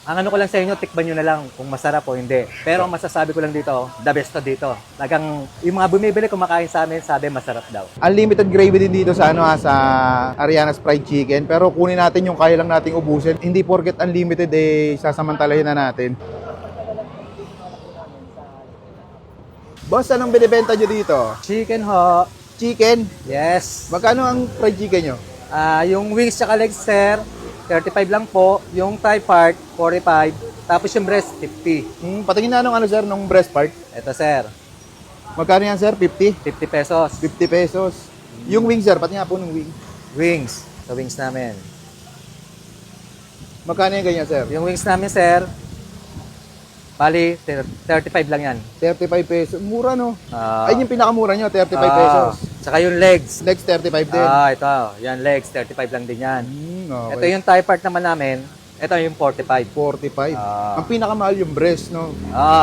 Ang ano ko lang sa inyo, tikman nyo na lang kung masarap o hindi. Pero ang masasabi ko lang dito, the best to dito. Talagang yung mga bumibili kumakain sa amin, sabi masarap daw. Unlimited gravy din dito sa sa Ariana's Fried Chicken. Pero kunin natin yung kaya lang nating ubusin. Hindi porket unlimited sasamantalahin na natin. Boss, anong binibenta nyo dito? Chicken ho. Chicken? Yes. Magkano ang fried chicken nyo? Yung wings tsaka legs, sir, 35 lang po. Yung thigh part, 45. Tapos yung breast, 50. Patingin na nung sir, nung breast part. Ito, sir, Magkano yan sir? 50? 50 pesos. 50 pesos. Yung wing sir, pati nga po ng wing. Wings. Sa wings namin. Magkano yung ganyan sir? Yung wings namin, sir, bali, 35 lang yan. 35 pesos. Mura no? Ah. Ayun yung pinakamura nyo, 35 pesos. Tsaka yung legs. Legs 35 din. Ito. Yan, legs, 35 lang din yan. Okay. Ito yung thigh part naman namin. Ito yung 45. 45. Ah. Ang pinakamahal yung breast, no?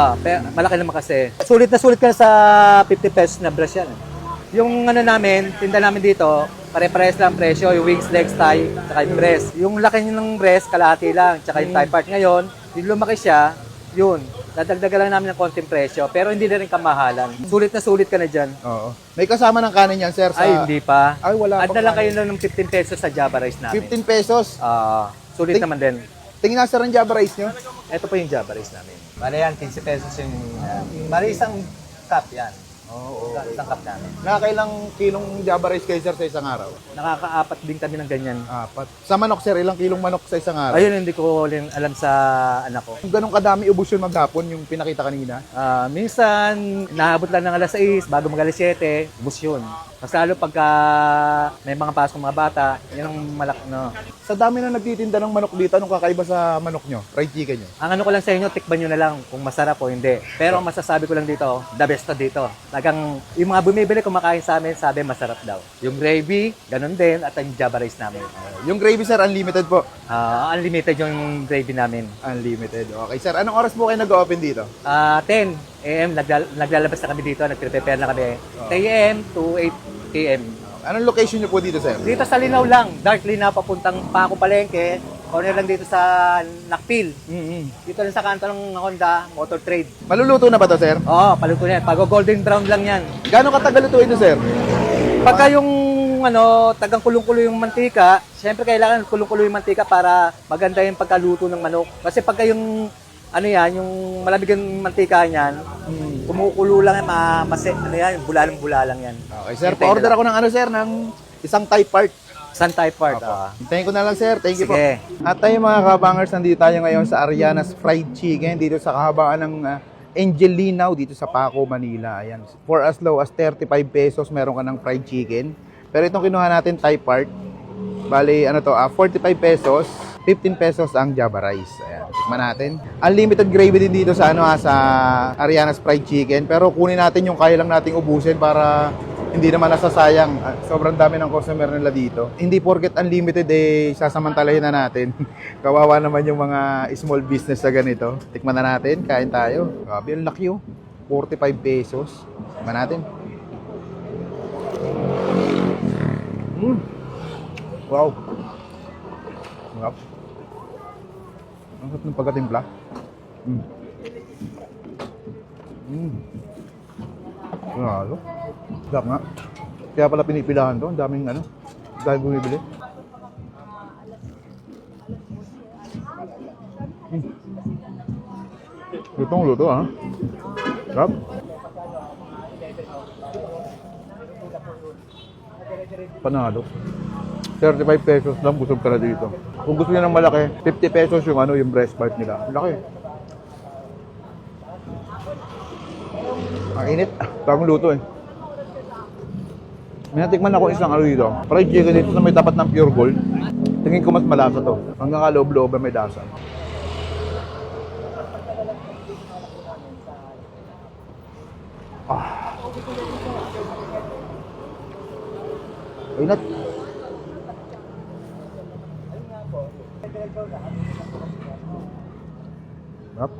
Malaki naman kasi. Sulit na sulit ka sa 50 pesos na breast yan. Yung ano namin, tinda namin dito, pare-pares lang presyo, yung wings, legs, thigh, tsaka yung breast. Yung laki ng breast, kalahati lang, tsaka yung thigh part. Ngayon, yung lumaki siya, yun, dadagdagan lang namin ng konting presyo, pero hindi na rin kamahalan. Sulit na sulit ka na dyan. Oo. May kasama ng kanin yan, sir, sa... Ay, hindi pa. Ay, wala Add pang na lang kayo kanin. ng 15 pesos sa Java Rice namin. 15 pesos. Sulit naman din. Tingin na, sir, ang Java rice nyo. Ito po yung Java Rice namin. Bale yan, 15 pesos yung... bale isang cup yan. Oo. Isang cup namin. Nakakailang kilong Java rice kayo, sir, sa isang araw? Nakakaapat din kami ng ganyan. 4. Sa manok, sir, ilang kilong manok sa isang araw? Ayun, hindi ko rin alam sa anak ko. Kung ganun kadami ubos yun maghapon, yung pinakita kanina. Minsan, naabot lang ng alas 6, bago mag alas 7, bus yun. Mas lalo pagka may mga pasok mga bata, yun ang malak, no. Sa dami na nagtitinda ng manok dito, anong kakaiba sa manok nyo? Fried chicken nyo? Ang ano ko lang sa inyo, tikman nyo na lang kung masarap o hindi. Pero ang masasabi ko lang dito, the best to dito. Talagang yung mga bumibili kumakain sa amin, sabi masarap daw. Yung gravy, ganun din, at yung Java Rice namin. Yung gravy, sir, unlimited po. Unlimited yung gravy namin. Unlimited. Okay, sir. Anong oras po kayo nag-open dito? 10 a.m. Naglalabas na kami dito, nagprepare na kami. 10 a.m. to 8 p.m. Anong location nyo po dito, sir? Dito sa Linaw lang, Dark Linaw, papuntang Paco Palengke, corner lang dito sa Nakpil. Dito lang sa kanto ng Honda Motor Trade. Maluluto na ba to, sir? Oo, paluto na yan. Pag golden brown lang yan. Gano'ng katagal lutuin ito, sir? Pagka yung tagang kulong-kulo yung mantika, syempre kailangan kulong-kulo yung mantika para maganda yung pagkaluto ng manok. Kasi pagka yung yung malamig yung mantika niyan, kumukulo lang yan, bulalang-bulalang yan. Okay, sir. Pa-order ako ng sir, ng isang Thai part. Sun type part. Hintayin ko na lang, sir. Thank you po. Sige. At tayo mga kabangers, nandito tayo ngayon sa Ariana's Fried Chicken dito sa kahabaan ng Angel Linaw dito sa Paco, Manila. Ayan. For as low as 35 pesos, meron ka ng fried chicken. Pero itong kinuha natin, Thai part. Bali, 45 pesos. 15 pesos ang Java Rice. Ayan, tikman natin. Unlimited gravy din dito sa sa Ariana's Fried Chicken. Pero kunin natin yung kaya lang nating ubusin para hindi naman nasasayang. Sobrang dami ng customer nila dito. Hindi porket unlimited sasamantalahin na natin. Kawawa naman yung mga small business sa ganito. Tikman na natin, kain tayo. Grabe, ang laki 45 pesos. Tikman natin. Wow. Sarap. Ang sarap ng pagkatimpla. Grabe. Sarap nga. Kaya pala pinipilahan to. Ang daming dahil bumibili. Lutong luto Sarap. Panalo. 35 pesos lang, busog ka na dito. Kung gusto niya ng malaki, 50 pesos yung yung breast part nila. Laki. Ang init. Bagong luto May natikman ako isang dito. Fried chicken dito na may tapat ng pure gold. Tingin ko mas malasa to. Hanggang kaloob-loob may lasa. Inat. Sarap.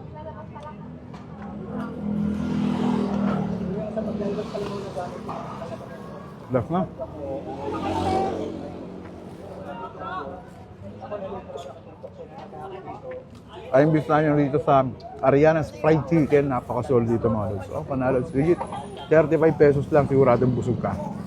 Last na. Ay, imbis na nyo dito sa Ariana's Fried Chicken, napakasolid dito mga lods. Oh, panalo, legit. 35 pesos lang, siguradong busog ka.